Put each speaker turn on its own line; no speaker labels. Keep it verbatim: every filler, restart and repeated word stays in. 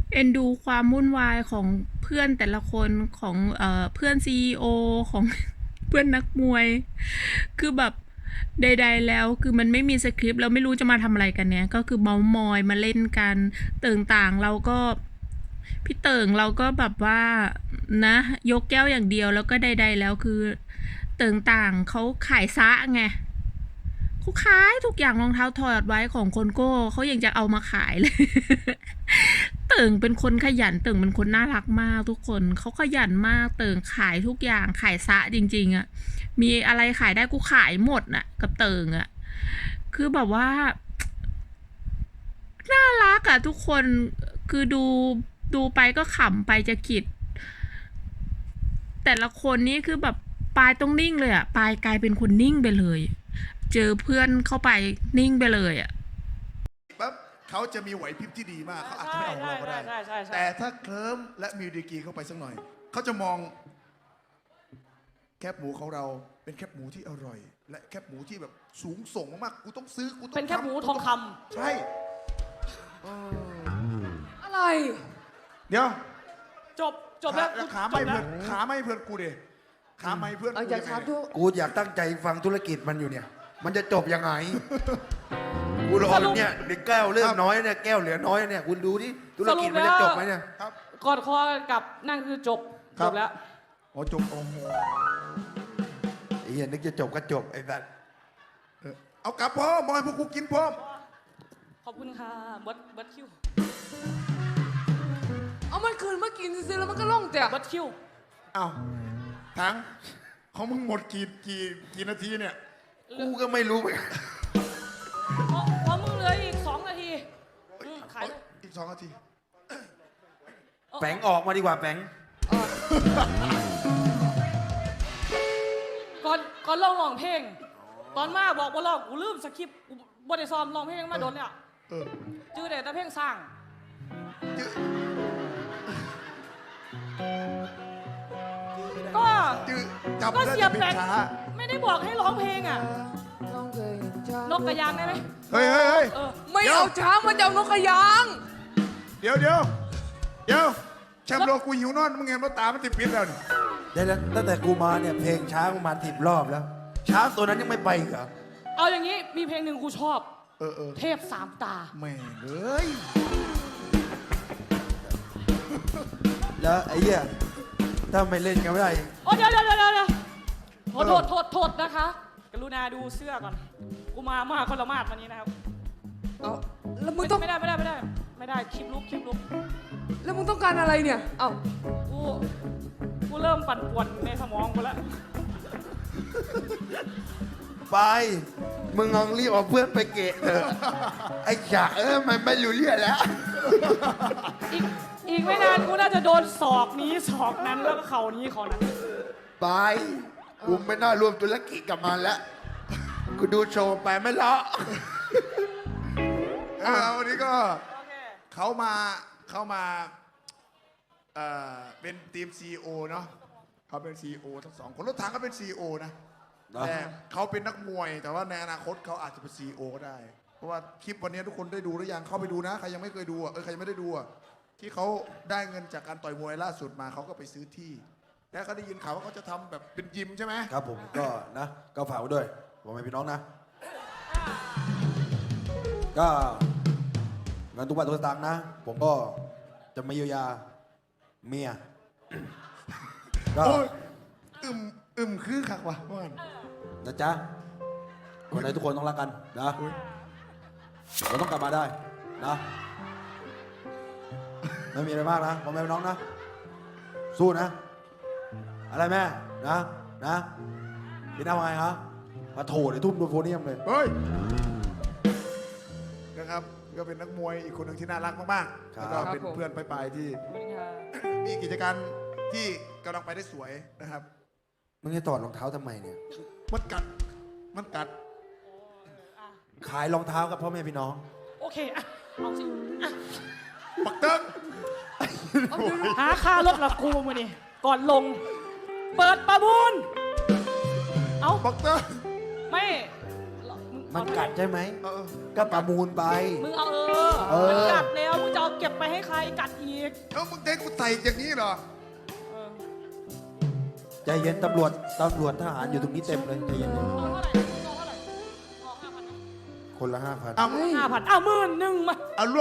เอ็นดูความวุ่นวายของเพื่อนแต่ละคนของเอ่อเพื่อนซีอีโอของ เพื่อนนักมวย คือแบบใดๆแล้วคือมันไม่มีสคริปต์แล้วไม่รู้จะมาทำอะไรกันเนี่ยก็คือเมามอยมาเล่นกันเติ่งต่างเราก็พี่เติ่งเราก็แบบว่านะยกแก้วอย่างเดียวแล้วก็ใดๆแล้วคือเติ่งต่างเขาขายซะไงเขาขายทุกอย่างรองเท้าถอดไว้ของคนโก้เขายังจะเอามาขายเลย เติ่งเป็นคนขยันเติ่งเป็นคนน่ารักมากทุกคนเขาขยันมากเติ่งขายทุกอย่างขายซะจริงๆอะมีอะไรขายได้กูขายหมดน่ะกับเติ่งอะคือแบบว่าน่ารักอะทุกคนคือดูดูไปก็ขำไปจะขิดแต่ละคนนี้คือแบบปายต้องนิ่งเลยอะปายกลายเป็นคนนิ่งไปเลย เจอเพื่อนเข้าไปนิ่งไปเลยอะ
ปั๊บเขาจะมีไหวพริบที่ดีมากเขาอาจจะไม่เอาเราก็ได้ แต่ถ้าเคลิ้มและมีดีกรีเข้าไปสักหน่อยเขาจะมองแคบหมูของเราเป็นแคบหมูที่อร่อย และแคบหมูที่แบบสูงส่งมากๆกูต้องซื้อกูต้อง
เป็นแคบหมูทองคำ
ใช่
อะไร
เดี๋ยว
จบจบแล้ว
ขาไม่เพื่อนขาไม่เพื่อนกูดิขาไม่เพื่อน
เอา
กู
อย่า
ยังไง
ช้าดู
กูอยากตั้งใจฟังธุรกิจมันอยู่เนี่ย มันจะจบยังไง กูรอเนี่ยเด็กแก้วเริ่มน้อยเนี่ยแก้วเหลือน้อยเนี่ยคุณดูดิธุรกิจมันจะจบไหมเนี่ย
ครับ
กอดคอกับนั่นคือจบ
ครั
จ
บ
บแล้ว
โอ้จบโอ้โห
ไอ้เหี้ยนึกจะจบก็จบไอ้สัส
เออเอากลับพ่อมอยพวกกูกินพร้อม
ขอบคุณค่ะเบิร์ดเบิร์ดคิว
เอามันคืนมากินซื้อแล้วมันก็ล่องแต่
เบิร์ดคิว
เอาทั้งของมึงหมดกี่กี่กี่นาทีเนี่ย
กูก็ไม่รู้เหมือนกัน
เพราะเพราะมึงเหลืออีกสองนาทีอืมขายเลย
อีกสองนาที
แฝงออกมาดีกว่าแฝง
ก่อนก่อนลองร้องเพลง ตอนมาบอกว่าร้องกูลืมสคริปต์กูบ่ได้ซ้อมร้องเพลงมาโดนเนี่ย
เออ
จื้อแต่แต่เพลงสร้าง
จื้อ
ก็
จื้อจับ
ก็
ได้
เสียบ
แต่
แบ
เพล
ง
งช้า
ไม่ได้บอกให้ร้องเพลงอ่ะ
ล่องเคยช้าน
กกระยางได้ไหม
เฮ้ยเฮ้ยเฮ้ย
เออ
ไม่เอาช้างมันจะเอานกกระยาง
เดี๋ยวเดี๋ยวเดี๋ยวแชมป์โลกกูหิวนอนมึงเห็นว่าตามันติดปิดแล้วนี่
เดี๋ยวนะตั้งแต่กูมาเนี่ยเพลงช้างประมาณสิบรอบแล้ว ช้างตัวนั้นยังไม่ไปอีกเหรอ
เอาอย่างนี้มีเพลงหนึ่งกูชอบ
เออเออ
เทพสามตา
แม่งเลย
แล้วไอ้เหี้ยถ้าไม่เล่นกันไม่ได้
โอ้เดี๋ยวเดี๋ยวเดี๋ยวเดี๋ยวโทษโทษโทษโทษนะคะ กรุณาดูเสื้อก่อน กูมามาคนละมาดวันนี้นะครับ
เอาแล้วมึง
ไม่
ต้อง
ไม่ได้ไม่ได้ไม่ได้ ไม่ได้คลิปลุกคลิปลุก
แล้วมึงต้องการอะไรเนี่ย เอ้า
กู กูเริ่มปั่นป่วนในสมองกูแล้ว
ไป มึงลองรีบเอาเพื่อนไปเกะเถอะ ไอ้จ๋าเออมันไม่รู้เรื่องแล้ว
อีกอีกไม่นานกูน่าจะโดนศอกนี้ศอกนั้นแล้วก็เข่านี้เข่านั้น
ไป กูไม่น่ารวมธุรกิจกับมันแล้ว กูดูโชว์ไปไม่เลาะ
อ่าวันนี้ก็
โอเค
เขามาเขามาเอ่อเป็นทีม ซี อี โอ เนาะเขาเป็น ซี อี โอ ทั้งสองคนรถถังก็เป็น ซี อี โอ นะ แต่เขาเป็นนักมวย แต่ว่าในอนาคตเขาอาจจะเป็น ซี อี โอ ก็ได้ เพราะว่าคลิปวันนี้ทุกคนได้ดูหรือยังเข้าไปดูนะ ใครยังไม่เคยดูอ่ะเออใครยังไม่ได้ดูอ่ะที่เขาได้เงินจากการต่อยมวยล่าสุดมาเขาก็ไปซื้อที่ แล้วเขาได้ยินข่าวว่าเขาจะทำแบบเป็นยิมใช่ไหม
ครับผมก็นะก็ฝากไว้ด้วยผมไม่พี่น้องนะ ก็เงินทุกบาททุกสตางค์นะ ผมก็จะมาเยียวยาเมีย ก็
โอ้ยอึมอึมคือคักว่ะว่างั้น
นะจ๊ะคนไทยทุกคนต้องรักกันนะเราต้องกลับมาได้นะไม่มีอะไรมากนะผมไม่เป็นน้องนะ สู้นะ อะไรแม่นะนะพี่น้าว่าไงฮะมาโถเดี๋ยวทุ่มโดนโฟเนียมเลย
เฮ้ยนะครับก็เป็นนักมวยอีกคนหนึ่งที่น่ารักมากๆ
ครับ
แล้วก็เป็นเพื่อนไปๆที่
ขอบคุณค่ะ
มีกิจการที่กำลังไปได้สวยนะครับ
มึงจะถอดรองเท้าทำไมเนี่ย
มันกัด มันกัด
ขายรองเท้ากับพ่อแม่พี่น้อง
โอเคอ่ะเอาสิอ่ะ
ปักเติ้ง
เอาเดี๋ยว
หาค่ารถละกูมือนี่ก่อนลง เปิดประมูล เอา
ปักเติ้ง
ไม่มึง
มันกัดใช่ไหม
เออ
ก็ประมูลไป
มึงเอาเออ
เออ
มันกัดแล้วมึงจะเอาเก็บไปให้ใครกัดอีก
เอ้ามึงเด็กกูไต่อย่างนี้เหรอ
เออ
ใจเย็นตำรวจตำรวจทหารอยู่ตรงนี้เต็มเลยใจเย็น
เอาเท่าไหร่เอาเท่าไหร่เอาห้าพัน
ๆคนละห้าพัน
เอา
ห้าพันอ้าวหมื่นหนึ่งมา
เอา